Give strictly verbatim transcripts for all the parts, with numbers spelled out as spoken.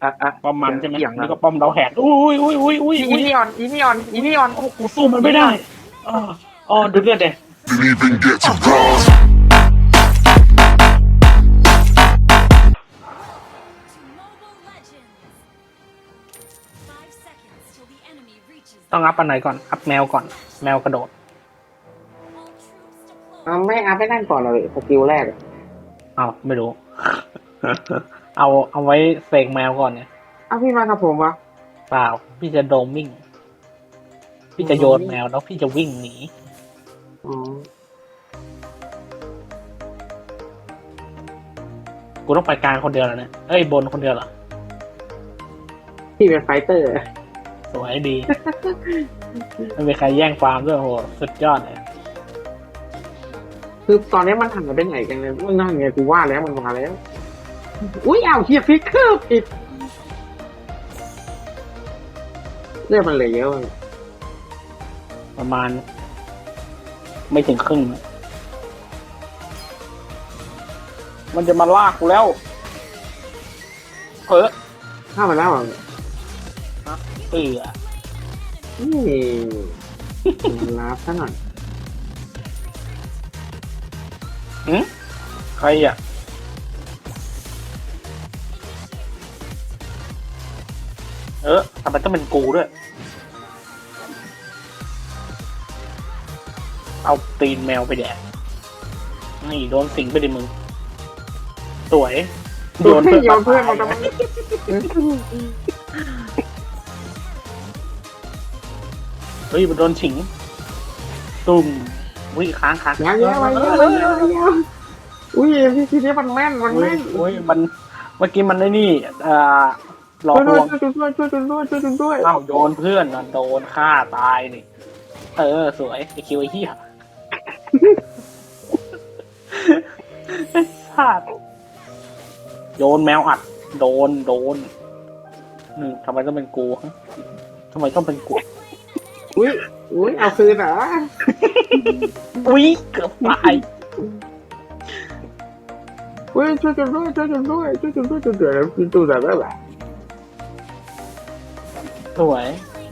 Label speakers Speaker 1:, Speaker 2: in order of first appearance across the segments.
Speaker 1: อ่ะอ่ะ
Speaker 2: ป้อมมันใช่ไหม
Speaker 1: เกี่ยง
Speaker 2: นี่
Speaker 1: นะ
Speaker 2: ก็ป้อมเราแหกอุ้ยอุ้ยอุ้ยอุ้ย
Speaker 1: อี
Speaker 2: อุ้ย
Speaker 1: นี่ออนอีนี่ออนอีนี่ออน
Speaker 2: โอ้กูสู้มันไม่ได้อ๋ออ๋อดูเลือดเด็
Speaker 3: Didn't even get to cross.
Speaker 4: To Mobile Legends. Five seconds till the enemy reaches.
Speaker 2: ต้องอัพอันไหนก่อน อัพแมวก่อน แมวกระโดด
Speaker 4: All troops deployed.
Speaker 1: เอาไม่อัพไม่นั่นก่อนเลยสกิลแรก
Speaker 2: เอาไม่รู้ เอาเอาไว้เสกแมวก่อนเนี่ย
Speaker 1: เอาพี่มากับผมวะ
Speaker 2: เปล่า พี่จะโดมมิ่ง พี่จะโยนแมวแล้วพี่จะวิ่งหนี
Speaker 1: อ๋อ
Speaker 2: กูต้องไปกลางคนเดียวแล้วเนี่ยเอ้ยบนคนเดียวเหรอ
Speaker 1: พี่เป็นไฟเตอร์
Speaker 2: สวยดี ไม่มีใครแย่งฟาร์มด้วยโหสุดยอดเลย
Speaker 1: คือตอนนี้มันหันไปไหนกันเลยมันนั่นไงกูว่าแล้วมันมาแล้ว อุ้ยอ้าวเฮียฟิกเกอร์ผิดเรื่องมันเหลยเยอะ
Speaker 2: ประมาณ ไม่ถึงครึ่งนะมันจะมาลากกูแล้วเออ
Speaker 1: เข้ามาแล้วอ่ะ
Speaker 2: เอือ
Speaker 1: นี่ลาบซะหน่อย
Speaker 2: หืมใครอ่ะ เออทำไมต้องเป็นกูด้วย เอาตีนแมวไปแดกนี่โดนสิงไปดิมึง สวย
Speaker 1: โยนเพื่อนโยนเพื่อนมาทำไม
Speaker 2: เฮ้ยมันโดนฉิง ตุ่มวิ่งค้างค้าง
Speaker 1: ยาวยาวยาวยาวยาวยาวอุ้ยพี่ทีนี้มันแม่นมัน
Speaker 2: โอ้ย
Speaker 1: แม่น
Speaker 2: โอ้ยมัน เมื่อกี้มันได้นี่อ่าหลอก
Speaker 1: ช่วย
Speaker 2: ล
Speaker 1: ด้วย
Speaker 2: วง
Speaker 1: ช่วยด้วยช่วยด้วยช่วยด้วยช่วยด้วย
Speaker 2: เอ้าโดนเพื่อนน่ะโดนฆ่าตายนี่ เออ สวยไอคิวไอเหี้ยไอ้สัตว์โยนแมวอัด โดนโดนอืมทำไมต้องเป็นกูฮะทำไมต้องเป็นกู
Speaker 1: อุ้ยอุ้ยเอาคืนเหรอ
Speaker 2: อุ้ยเกือบตาย
Speaker 1: อุ้ยช่วยกันด้วยช่วยกันด้วยช่วยกันด้วยช่วยกันด้วยคือตัวแบบแบบ
Speaker 2: สวย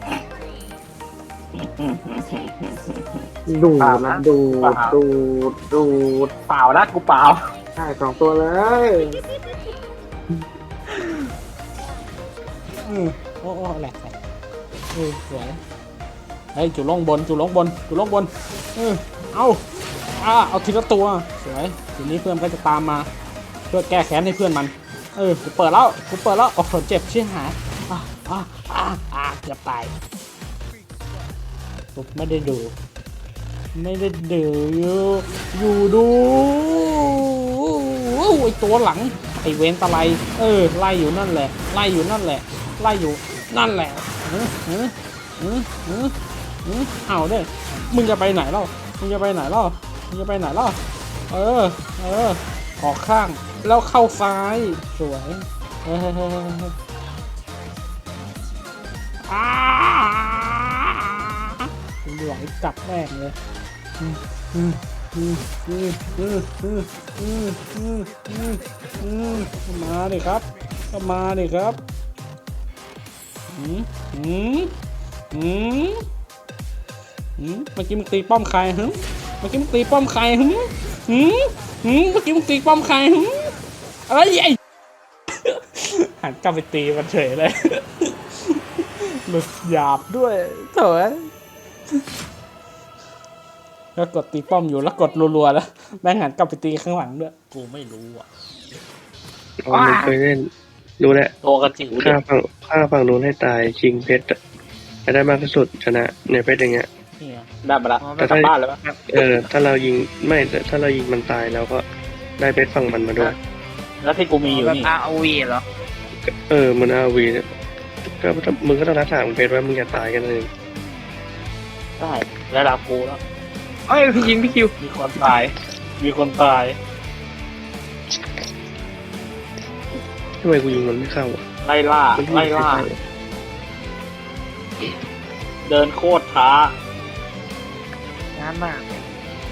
Speaker 1: ดูดนะดูดดูดดูด
Speaker 2: เปล่านะกูเปล่า
Speaker 1: ใช่สองตัวเลย
Speaker 2: อืมโอ้โอ้แหลกแหลกเออสวยเฮ้ยจุลงบนจุลงบนจุลงบนเออเอาอ่าเอาทีละตัวสวยทีนี้เพื่อนก็จะตามมา เพื่อแก้แค้นให้เพื่อนมัน เออกูเปิดแล้วกูเปิดแล้วโอ้โหเจ็บชิบหายอ่าอ่าอ่าอ่าเกือบตายกูไม่ได้ดู ไม่ได้ดูอยู่อยู่ดูไอตัวหลังไอเวนตะไลเออไล่อยู่นั่นแหละไล่อยู่นั่นแหละไล่อยู่นั่นแหละเออเออเออเออเออเอาเด้มึงจะไปไหนเล่ามึงจะไปไหนเล่ามึงจะไปไหนเล่าเออเออออกข้างแล้วเข้าซ้ายสวยเอออ้าไหลจับแม่งเลยอืมอืมอืมอืมอืมอืมอืมอืมอืมอืมมาดิครับก็มาดิครับอืมอืมอืมอืมเมื่อกี้มึงตีป้อมใครฮึเมื่อกี้มึงตีป้อมใครฮึฮึฮึเมื่อกี้มึงตีป้อมใครฮึอะไรไอ้หันกลับไปตีมันเฉยเลยหลุดหยาบด้วยเถอะแล้วกดตีป้อมอยู่แล้วกดรัวๆแล้วแม่งหันกลับไปตีข้างหลังด้วยกูไม่รู้อ่ะ
Speaker 5: อ๋อมึงเคยเล่นรู้แล้ว
Speaker 2: ตัวกระจิ๋วเด็
Speaker 5: ฆ่าก ฝั่งฆ่าฝั่งนู้นให้ตายชิงเพชรอะจะได้มากที่สุดชนะในเพชรอย่างเงี้ย
Speaker 2: เนี่ยได้มาละกลับบ้านเลยปะ
Speaker 5: เออถ้าเรายิงไม่แต่ถ้าเรายิงมันตายเราก็ได้เพชรฝั่งมันมาด้วย
Speaker 2: แล้วที่กูมีอยู่
Speaker 1: แบบ
Speaker 2: นี่
Speaker 1: อาร์โอวีเหรอ
Speaker 5: เออมันอาวีเนี่ยก็มึงก็ต้องรักษาของเพชรไว้มึงอย่าตายกันเลย
Speaker 2: ได้ระดับกูแล้ว
Speaker 1: เอ้ยพี่ยิงพี่คิว
Speaker 2: มีคนตาย มีคนตาย
Speaker 5: ทำไมกูยิงมันไม่เข้าอ่ะ
Speaker 2: ไล่ล่า
Speaker 5: มันยิง
Speaker 2: ไล่ล่า
Speaker 5: ใครได้
Speaker 2: เดินโคตรช้าง
Speaker 1: านมาก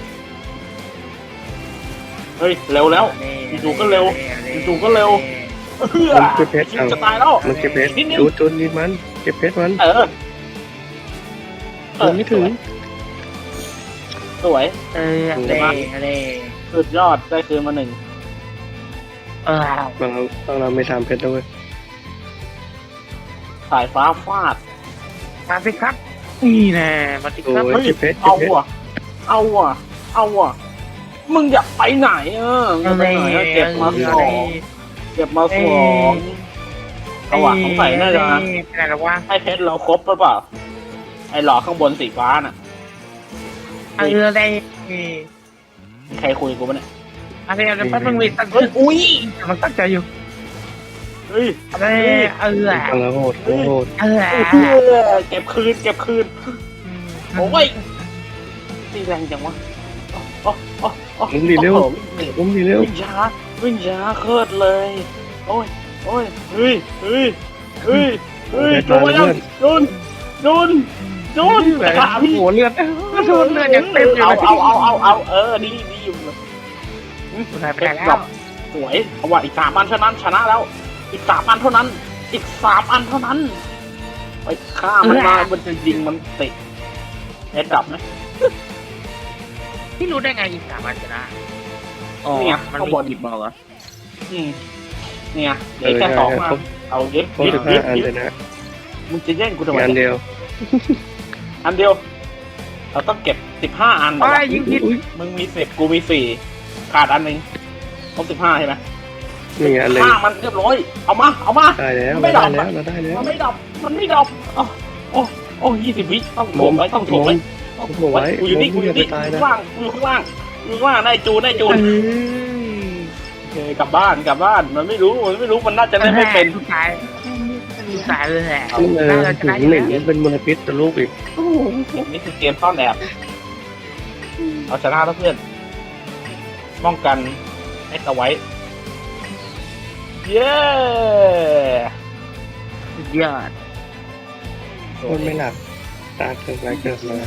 Speaker 2: เฮ้ย เร็วแล้ว จู่ๆก็เร็วจู่ๆก็เร็วเพื่อ
Speaker 5: มันเก็บเพชร
Speaker 2: คิว
Speaker 5: เอา
Speaker 2: จะตายแล้ว
Speaker 5: มันเก็บเพชร
Speaker 2: นิดนึง
Speaker 5: จูดจูดนิดมันเก็บเพชรมัน
Speaker 2: เออเออ
Speaker 5: ไม่ถึง
Speaker 2: สวย
Speaker 6: เอออะไรอะไร
Speaker 2: สุดยอดได้คืนมาหนึ่ง
Speaker 6: เออบ
Speaker 5: างเราบางเราไม่ทำเพชรด้วย
Speaker 2: สายฟ้าฟาด
Speaker 6: มาสิครับนี่แน่มาสิ
Speaker 5: โอ้
Speaker 6: ครับ
Speaker 5: ย
Speaker 2: เฮ้ย
Speaker 5: เก็บเพชรเก็
Speaker 2: เอา
Speaker 5: บเพชร
Speaker 2: ว่ะเอาว่ะเอาว่ะมึงอยากไปไหนเออมึงจะไปไหนอะเก็บมาสองเก็บมาสองเอาว่ะสงสัยน่าจะ
Speaker 6: อะไรหรอวะ
Speaker 2: ให้เพชรเราครบหรือเปล่าไอ้หลอกข้างบนสีฟ้าน่ะ
Speaker 6: เอออะไร
Speaker 2: มีใครคุยกูปะเนี่ย
Speaker 6: อะไรอะไรแป๊บนึงวิตั้ง
Speaker 2: เฮ้ยอุ้ย
Speaker 6: มันตั้งใจอยู่
Speaker 2: เฮ้ย
Speaker 6: อะไรเออ
Speaker 5: บางเราโหดบางเราโหด
Speaker 6: เออ
Speaker 2: เออเก็บคืนเก็บคืนโอ้ยตีแรงจังวะโอ้โอ้โอ้
Speaker 5: ผมดีเร็วผมดีเร็ว
Speaker 2: วิ่งช้าวิ่งช้าเคลิดเลย โอ้ยโอ้ยเฮ้ยเฮ้ยเฮ้ยเฮ้ยโดนยังโดนโดนโดน
Speaker 6: แบบ
Speaker 2: ขาพี่
Speaker 6: หัวเลือดโดนเลือดยังเต็มอยู่
Speaker 2: เอา
Speaker 6: เลย
Speaker 2: เอาเอาเอาเอาเออดีดีอยู่
Speaker 6: หายไปแล้ว
Speaker 2: สวยเอาว่าอีกสามอันเท่านั้นชนะแล้ว อีกสามอันเท่านั้น อีกสามอันเท่านั้นไปฆ่ามันมามันจะยิงมันติดเอ็ดดับไหม
Speaker 6: ที่รู้ได้ไงอีกสามอันชนะอ๋อ
Speaker 2: เนี่ย
Speaker 6: มัน
Speaker 2: ข้าง
Speaker 6: มี
Speaker 2: บน
Speaker 6: หยิบมาเหรอ
Speaker 2: อืมเนี่ยเหลือแค่สองมาเอายึด
Speaker 5: ครบ
Speaker 2: ยึด
Speaker 5: สิบห้า
Speaker 2: ยึด
Speaker 5: อัน
Speaker 2: ยึ
Speaker 5: เล
Speaker 2: ด
Speaker 5: ยนะ
Speaker 2: มึงจะแย่งกูทำไม
Speaker 5: งานเดียว
Speaker 2: อันเดียว เราต้องเก็บสิบห้าอันเหรอ
Speaker 6: อ้ายยิงผิด
Speaker 2: มึงมีสิบกูมีสี่ขาดอันหนึ่งครบสิบห้าใช่ไหม
Speaker 5: นี่งานเลย
Speaker 2: ฆ่ามันเรียบร้อยเอามาเอามา
Speaker 5: ได้แล้ว
Speaker 2: ไม่
Speaker 5: เรา
Speaker 2: ด
Speaker 5: ได้
Speaker 2: อก
Speaker 5: แล้วเราได้แล้ว
Speaker 2: มันไม่ดับ มันไม่ดับโอ้โอ้โอ้ยี่สิบวิต้องถ่วงไว้ต้องถ่วงไว้ต้องถ่วงไว้กูอยู่นี่กูอยู่นี่กูอยู่ข้างล่างกูอยู่ข้างล่างกูอยู่ข้างล่างได้จูนได้จูนโอเคกลับบ้านกลับบ้านมันไม่รู้มันไม่รู้มันน่าจะได้ไม่เป็น
Speaker 6: ทุกสายทุกสายเลยแหละ
Speaker 5: นี่เลย
Speaker 6: เราช
Speaker 5: ถึ
Speaker 6: นะ
Speaker 5: ง
Speaker 6: อยู่
Speaker 5: หนึ่ง
Speaker 6: แล้ว
Speaker 5: เป็นมลพิษตัวลูกอีก
Speaker 2: นี่คือเกมซ่อนแอบเอาชนะแล้วเพื่อนป้องกันไอ้ตะไว้เย้
Speaker 6: สุดยอด
Speaker 5: คนไม่หลับตาเกิดอะไรเกิดมา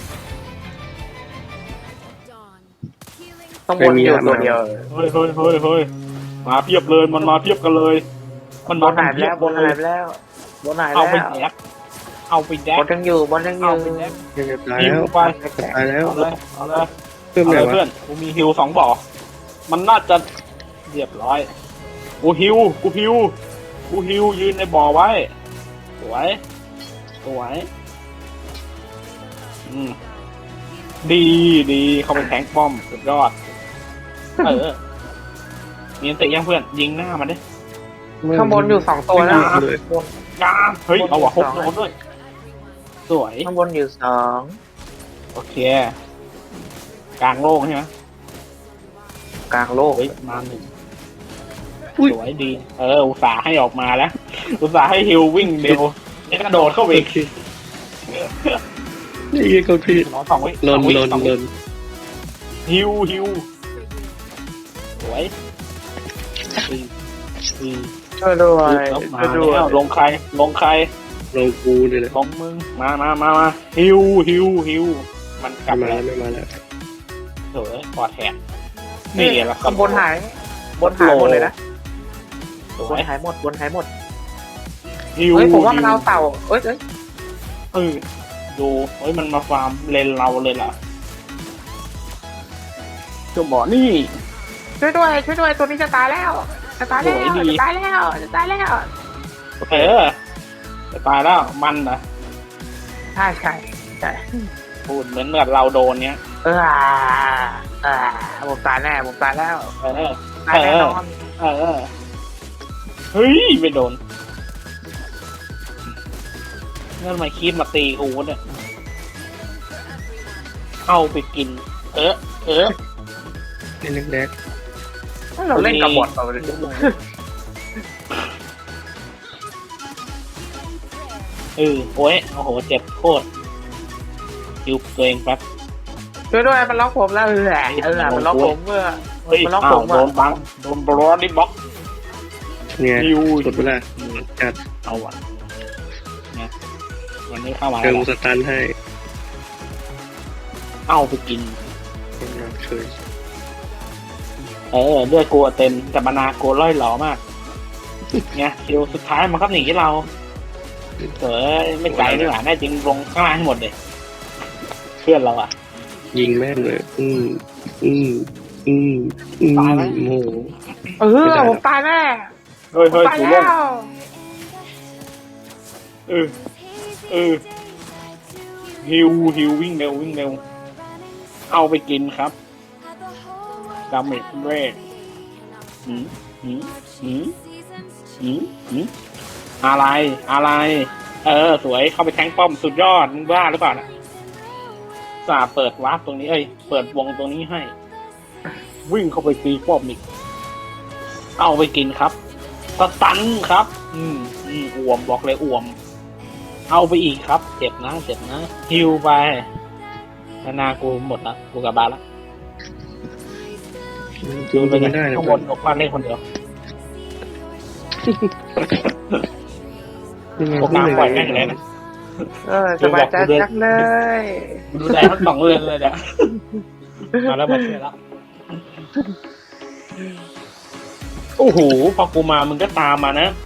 Speaker 4: Dawn. Healing
Speaker 6: ต้องวนอยู่ตัวเดียว
Speaker 2: เฮ้ยเฮ้ยเฮ้ยเฮ้ยมาเพียบเลยมันมาเพียบกันเลย มัน
Speaker 6: บ
Speaker 2: มาน
Speaker 6: หายไป
Speaker 2: เพีย
Speaker 6: แล้ว
Speaker 2: บบ
Speaker 6: น
Speaker 2: เล
Speaker 6: หาย
Speaker 2: ย
Speaker 6: ไปแล้วบนหาย
Speaker 2: เอาไป
Speaker 6: แล้ว
Speaker 2: แดกเอาไปแด
Speaker 6: บ
Speaker 2: ก
Speaker 6: นยังอยู่บนยังอ
Speaker 2: เอา
Speaker 6: ยู่
Speaker 2: ไปแดก
Speaker 5: ยังจะตาย
Speaker 2: ฮิ
Speaker 5: แล้ว ว
Speaker 2: ไป
Speaker 5: จะตายแล้ว
Speaker 2: เอาเลยเอาเลย
Speaker 5: เพิ่ม
Speaker 2: เอา
Speaker 5: ไหน
Speaker 2: เลย
Speaker 5: วะ
Speaker 2: เพื่อนกูมีฮิวสองบ่อมันน่าจะเรียบร้อยกูฮิวกูฮิวกูฮิวยืนในบ่อไว้สวยสวยอืมดีดีเข้าไปแทงป้อมสุดยอดเออมีอันติยังเพื่อนยิงหน้ามันดิ
Speaker 6: ข้างบนอยู่สองตัวแล้ว
Speaker 5: เลย
Speaker 2: ยาเฮ้ยเอาว่ะฮกโดนด้วยสวย
Speaker 6: ข้างบนอยู่สอง
Speaker 2: โอเค กลางโล่งใช่ไหม
Speaker 6: กลางโลก
Speaker 2: เฮ้ยมาหนึ่งสวยดี เออ อุตส่าห์ให้ออกมาแล้ว อุตส่าห์ให้ฮิววิ่งเร็วแล้วกระโดดเข้าไปอีก
Speaker 5: นี่ก็พี่
Speaker 2: หมอสองวิ
Speaker 5: ล
Speaker 2: สอน งวิ
Speaker 5: ลน
Speaker 2: สอง
Speaker 5: ล
Speaker 2: วิ
Speaker 5: น
Speaker 2: ฮิวฮิวสวยอืออือ
Speaker 6: ช่วยด้วย
Speaker 2: แล้วมา
Speaker 6: ช่วยด้วย
Speaker 2: แล้วลงใคร ลงใคร
Speaker 5: ลงกูเลยแหละ
Speaker 2: ลงมึง มามามามาฮิวฮิวฮิวมันกลับ
Speaker 5: ไม่มา
Speaker 2: มา
Speaker 5: แล้ว
Speaker 2: แล้ว
Speaker 5: ไม่มาแล้ว
Speaker 2: สวยปอดแหกนี่แหละ
Speaker 6: ข้างบนหายบนหายหมดเลยนะ
Speaker 2: ส
Speaker 6: บ
Speaker 2: วน ย
Speaker 6: หายหมดบนหายหมด
Speaker 2: ฮิว
Speaker 6: เฮ้ยผมว่ามันเอาเต่าเอ้ยเอ้ย
Speaker 2: เออดูเฮ้ยมันมาฟาร์มเลนเราเลยล่ะจะบอกนี่
Speaker 6: ช่วยด้วยช่วยด้วยตัวนี้จะตายแล้วจะตายแล้ว
Speaker 2: โอ้ยดี
Speaker 6: จะตายแล้วจะตายแล้ว
Speaker 2: เออจะตายแล้วมันนะ
Speaker 6: ใช่ใช่ใช่
Speaker 2: พูดเหมือนกับเราโดนเนี้ย
Speaker 6: เอออ่าผมตายแน่ผมตายแล้ว
Speaker 2: เออ
Speaker 6: ตายแน่นอน
Speaker 2: เออเฮ้ยไม่โดนนั่นทำไมคีบมาตีกูเนี่ยเอาไปกิน เออเออ
Speaker 5: นี่เล็กแดก
Speaker 6: เราเล่นกับบอทเราเลย
Speaker 2: เออโอ้ยโอ้โหเจ็บโคตรคิวตัวเองแป๊บ
Speaker 6: ช่วยด้วยมันล็อกผมแล้วเออเออมันล็อกผมเมื่อ
Speaker 2: เฮ้ย
Speaker 6: มันล็อก
Speaker 2: อ้า
Speaker 6: ผ
Speaker 2: ว
Speaker 6: ม
Speaker 2: โด
Speaker 6: อะ
Speaker 2: นบังโดนบล็อกดิบล็อก
Speaker 5: เนี่ย
Speaker 2: คิว
Speaker 5: สุดเวลาจัด
Speaker 2: เอาอ่ะเนี่ยวันนี้เข้ามา
Speaker 5: เติ
Speaker 2: แล้ว
Speaker 5: มสตันให้
Speaker 2: เอาไปกิน
Speaker 5: คนเราเฉย
Speaker 2: เออเลือดกลัวเต็มแต่มานาโกล่อยหล่อมากเนี่ยคิวสุดท้ายมันก็หนีเราเออไม่ไกลนี่หว่าแน่จริงลงข้างล่างให้หมดเลยเพื่อนเราอ่ะ
Speaker 5: ยิงแม่งเลย อืมอืมอืมอืม
Speaker 2: ตายไหม
Speaker 5: โอ้โห
Speaker 6: เออผมตายแน่
Speaker 2: เฮ้ย
Speaker 6: ผม
Speaker 2: เฮ้ย
Speaker 6: ตาย
Speaker 2: กู
Speaker 6: แล้
Speaker 2: ล่น
Speaker 6: ว
Speaker 2: เออเออฮิวฮิววิ่งเร็ววิ่งเร็วเอาไปกินครับดาเมจแรกหืมหืมหืมหืมหืมอะไรอะไร เออ สวยเข้าไปแทงป้อมสุดยอดมึงบ้าหรือเปล่านะสาเปิดวาร์ปตรงนี้เอ้ยเปิดวงตรงนี้ให้ วิ่งเข้าไปตีป้อมอีกเอาไปกินครับสตันครับ อืมอืมอ่วมบอกเลยอ่วม เอาไปอีกครับ เจ็บนะเจ็บนะฮิวไปนานากูหมดละกูกลับบ้านละ
Speaker 5: จูนไปไม่ได้นะ
Speaker 2: ข้างบนออกบ้านเล่นคนเดียว พวกนางปล่อยแม่งเลยนะ
Speaker 6: เออสบายใจจังเลย
Speaker 2: ดูแลทั้งสองเรือนเลยเนี่ยมาแล้วมาช่วยแล้วโอ้โหพอกูมามึงก็ตามมานะ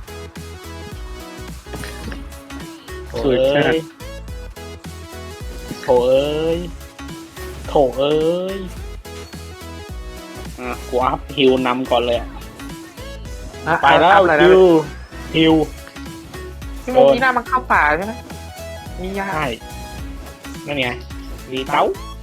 Speaker 2: โถ
Speaker 5: สุด
Speaker 2: เอ้
Speaker 5: จัด
Speaker 2: ยโถเอ้ยโถเอ้ยอ่ะกูอัพฮิวนำก่อนเลยอะไปแล้ว
Speaker 6: อะไรนะ
Speaker 2: ฮิวฮิว
Speaker 6: พี่โมกี้หน้ามันเข้าป่าใช่ไหมมียา
Speaker 2: ใช่นั่นไงรีเต้า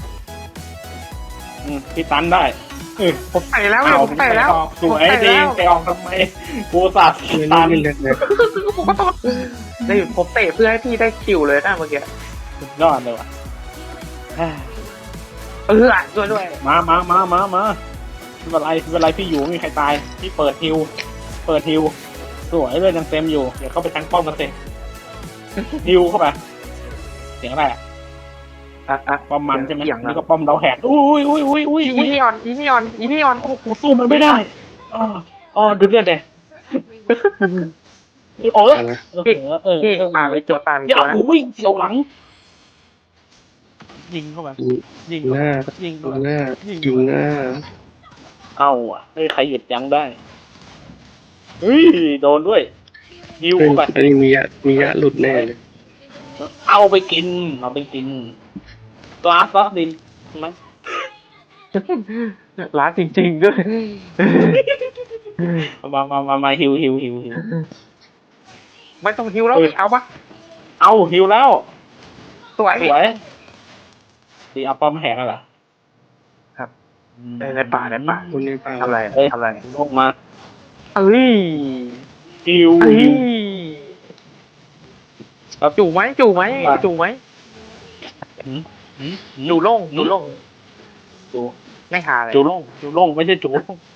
Speaker 2: อืมพี่ตันได้เออ
Speaker 6: ผมไปแล้ว
Speaker 2: เอา
Speaker 6: ผมไปแล้ว
Speaker 2: สวยจริงไปออกทำไมกูสัตว์
Speaker 5: ไม่
Speaker 2: ตัน
Speaker 5: เล่นเลย
Speaker 6: ผมก็ต้องนี่ผมเตะเพื่อให้พี่ได้คิวเลยนะเมื่อกี้
Speaker 2: สุดยอดเลยว่ะ
Speaker 6: เออด้วยด้วย
Speaker 2: มามามามามาไม่เป็นไรไม่เป็นไรพี่อยู่ไม่มีใครตายพี่เปิดฮิวเปิดฮิวสวยเลยยังเต็มอยู่เดี๋ยวเข้าไปทั้งป้อมกันเต็มฮิวเข้าไปเสียงอะไรอ่ะ
Speaker 6: อ่ะอ่ะ
Speaker 2: ป้อมมันใช่ไหม
Speaker 6: เสียงนะ
Speaker 2: นี่ก็ป้อมเราแหกอุ้ยอุ้ยอุ้ยอุ้ย
Speaker 6: อี
Speaker 2: อุ้ย
Speaker 6: นี่ออนอีนี่ออนอีนี่ออน
Speaker 2: โอ้โหสู้มันไม่ได้อ๋ออ๋อดูเลือดเลยโอ้ย
Speaker 5: อะไร
Speaker 2: เออเออ
Speaker 6: พี่
Speaker 2: เออ
Speaker 6: ป่าไปตัวป่าไป
Speaker 2: เดี๋ยว
Speaker 6: ตัวนะ
Speaker 2: โอ้ยเสียวหลัง ยิงเข้าไปยิง
Speaker 5: หน้า
Speaker 2: ยิง
Speaker 5: ยิงหน้ายิงหน้า
Speaker 2: เอาอ่ะเฮ้ยใครหยุดยั้งได้เฮ้ยโดนด้วยยิว
Speaker 5: เฮ้ย
Speaker 2: เข้าไป
Speaker 5: อันนี้มียะมียะหลุดแน่เลย
Speaker 2: เอาไปกินเอาไปกินตัวอาร์ซอสดินใช่ไหม
Speaker 6: ร้านจริงๆด้วย
Speaker 2: มามามามาฮิวฮิวฮิวฮิว
Speaker 6: ไม่ต้องฮิวแล้วเอาปะ
Speaker 2: เอาฮิวแล้ว
Speaker 6: สวย
Speaker 2: สวยตีเอาป้อมแหกแล้วเหรอ
Speaker 6: ครับ เออในป่าในป่า
Speaker 5: คนนี้เปล่า
Speaker 6: ทำอะไร
Speaker 2: เอ้ย
Speaker 6: ทำอะไร
Speaker 2: ลงมา
Speaker 6: เอ้ย
Speaker 2: ฮิว
Speaker 6: เอ้ย
Speaker 2: ฮิว
Speaker 6: จู่ไหมจู่ไหมจู่ไหม
Speaker 2: หืมหืมหืม
Speaker 6: จู่โล่งจู่โล่ง
Speaker 2: จู
Speaker 6: ไม่หาเลย
Speaker 2: จูโล่งจูโล่งไม่ใช่จูโล่ง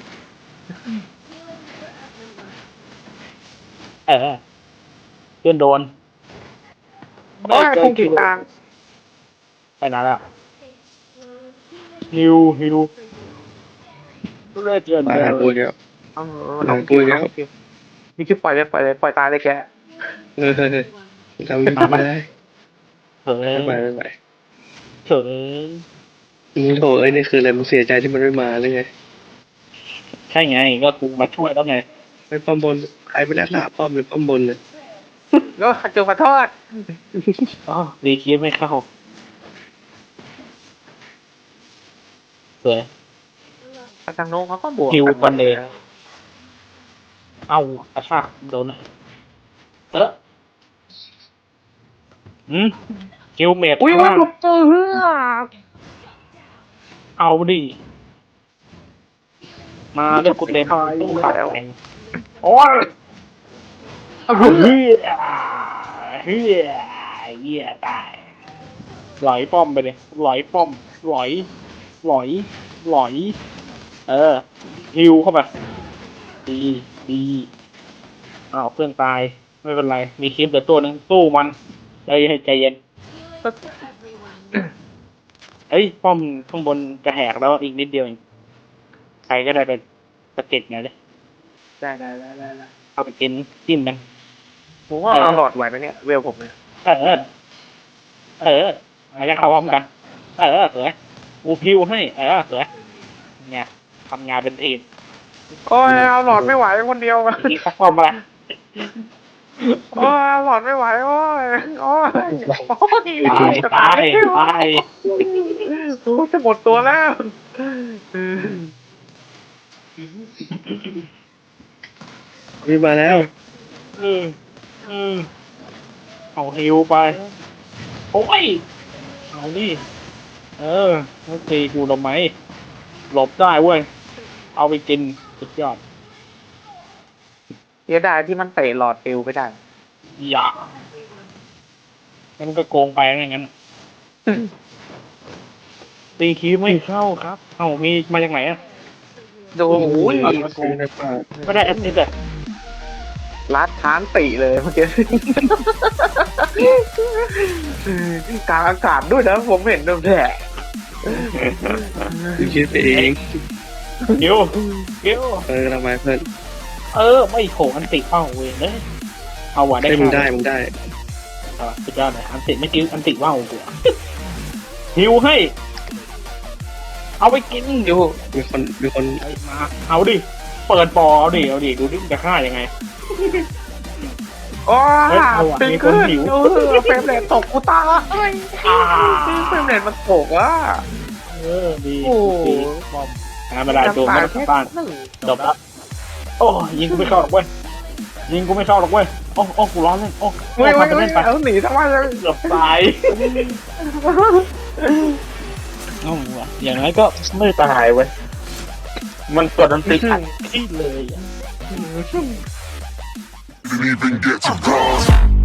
Speaker 2: เออเพื่อนโดน
Speaker 6: โอ้ยคงกีดตาง
Speaker 2: ไปนานแล้วฮิวฮิวเลือดเดือน
Speaker 5: มา
Speaker 2: เดิ
Speaker 5: หาน กูเดียว
Speaker 6: เออ
Speaker 5: หลังปุยแล้ว
Speaker 6: นี่คือปล่อยเลยปล่อยเลยปล่อยตายเลยแก
Speaker 5: เออทำไม่ได้
Speaker 2: เฮ้ย
Speaker 5: ไม่ไปไม่ไป
Speaker 2: เฮ้ย
Speaker 5: มึงโถเอ้ยนี่คืออะไรมึงเสียใจที่มันไม่มาหรือไง
Speaker 2: ใช่ไงก็กูมาช่วยแล้วไง
Speaker 5: ไปป้อมบนใครไปแล้วหน้าป้อมหรือป้อมบนเลย
Speaker 6: ก็จูขอโทษ
Speaker 2: อ๋อดีคีไม่เข้าสวย
Speaker 6: ทางโน้นเขาก็บวก
Speaker 2: ฮิว
Speaker 6: กันหม
Speaker 2: บั
Speaker 6: ด
Speaker 2: นเดย์เอ้ากระชากโดนอะเอออืมฮิวเมด
Speaker 6: อุ้ย
Speaker 2: ข้าง
Speaker 6: ว่า
Speaker 2: ล่าง
Speaker 6: ผมเจอเรื่อง
Speaker 2: เอาดิมาเล่นกูเต็มตู้ขาดแข่งโอ้ย
Speaker 6: เอา
Speaker 2: เฮี
Speaker 6: เรื่อง
Speaker 2: ยเฮียเฮียตายหลอยป้อมไปเลยหลอยป้อมหลอยหลอยหลอย เออฮิวเข้าไปดีดีอ้าวเพื่อนตายไม่เป็นไร มีคลิปเดี๋ยวตัวหนึ่งสู้มันใจให้ใจเย็นเอ้ยป้อมข้างบนจะแหกแล้วอีกนิดเดียวเองใครก็ได้ไปสะเก็ดไงเลย
Speaker 6: ได้ได้ได้ได้ได้
Speaker 2: เอาไปกินจิ้มกัน
Speaker 6: ผมว่าเอาหลอดไหวไหมเนี่ย เวลผมเนี่ย
Speaker 2: เออ เอออาจจะเข้าพร้อมกัน เออสวยกูพิวให้ เออสวยเนี่ยทำงานเป็นทีม
Speaker 6: โอ้ยเอาหลอดไม่ไหวคนเดียว
Speaker 2: อีกสักป้อมอะไร
Speaker 6: โอ้ยหลอดไม่ไหวโอ้ยโอ้ยโอ้ย
Speaker 2: ตายตายตาย
Speaker 6: โอ้ยจะหมดตัวแล้ว
Speaker 5: พี่มาแล้ว
Speaker 2: เออเออเอาฮิวไป โอ้ย เอาดิเออโอเคกูทำไมหลบได้เว้ย เอาไปกินสุดยอด
Speaker 6: เสียดายที่มันเตะหลอดฟิวไม่ได้
Speaker 2: อย่ามันก็โกงไปอย่างนั้น ตีคีไม่เข้าครับ เอ้ามีมาจากไหนอ่ะ
Speaker 6: ดูโอ้ย
Speaker 2: ไม่ได้แอสซิสต์อ่ะ
Speaker 6: รัดค้านติเลยเมื่อกี้กลางอากาศด้วยนะผมเห็นดูแผล
Speaker 5: พี่คิดไปเอง
Speaker 2: เดี๋ยวเดี๋ยว
Speaker 5: เออทำไมเพื่อน
Speaker 2: เออ ไม่โขอันติเป้าเว้ยเลยเอาว่ะได้
Speaker 5: ได้มึงได้
Speaker 2: ค่า
Speaker 5: มึงได้
Speaker 2: อ่ะสุดยอดเลยอันติไม่กิ้วอันติว่าวกูอะ หิวให้ เอาไปกิน
Speaker 6: อยู่
Speaker 5: มีคนมีคน
Speaker 2: ไอ้มา เอาดิ เปิดปอเอาดิ เอาดิ ดูดิมึงจะฆ่ายังไง
Speaker 6: โอ้
Speaker 2: เฮ้ย
Speaker 6: ย
Speaker 2: เอาว่ะ
Speaker 6: ตึง
Speaker 2: มีคน
Speaker 6: ขึ้น
Speaker 2: หิว
Speaker 6: เออเฟรมเรทตกกูตาย
Speaker 2: อ่า
Speaker 6: เฟรมเรทมันตกอ่ะ
Speaker 2: เออ ดี
Speaker 6: โอ้
Speaker 2: ดีบอมหาไม่ได้ตัวไม่ต้องบ้าน จบละโอ้ยิงกูไม่เข้าหรอกเว้ย ยิงกูไม่เข้าหรอกเว้ย โอ้โอ้กูร้อนเลยโอ้
Speaker 6: เฮ้ย
Speaker 2: โอ้
Speaker 6: เฮ้ย
Speaker 2: ทำไป
Speaker 6: เฮ้
Speaker 2: เล่
Speaker 6: ย
Speaker 2: นไป
Speaker 6: เอาหนีทำไมเลย
Speaker 2: เกือบตาย เอ้าว่ะอย่างไรก็ไม่ตายเว้ย มันกดดันติดอัดที่เลยอะ
Speaker 3: Didn't even get to cross.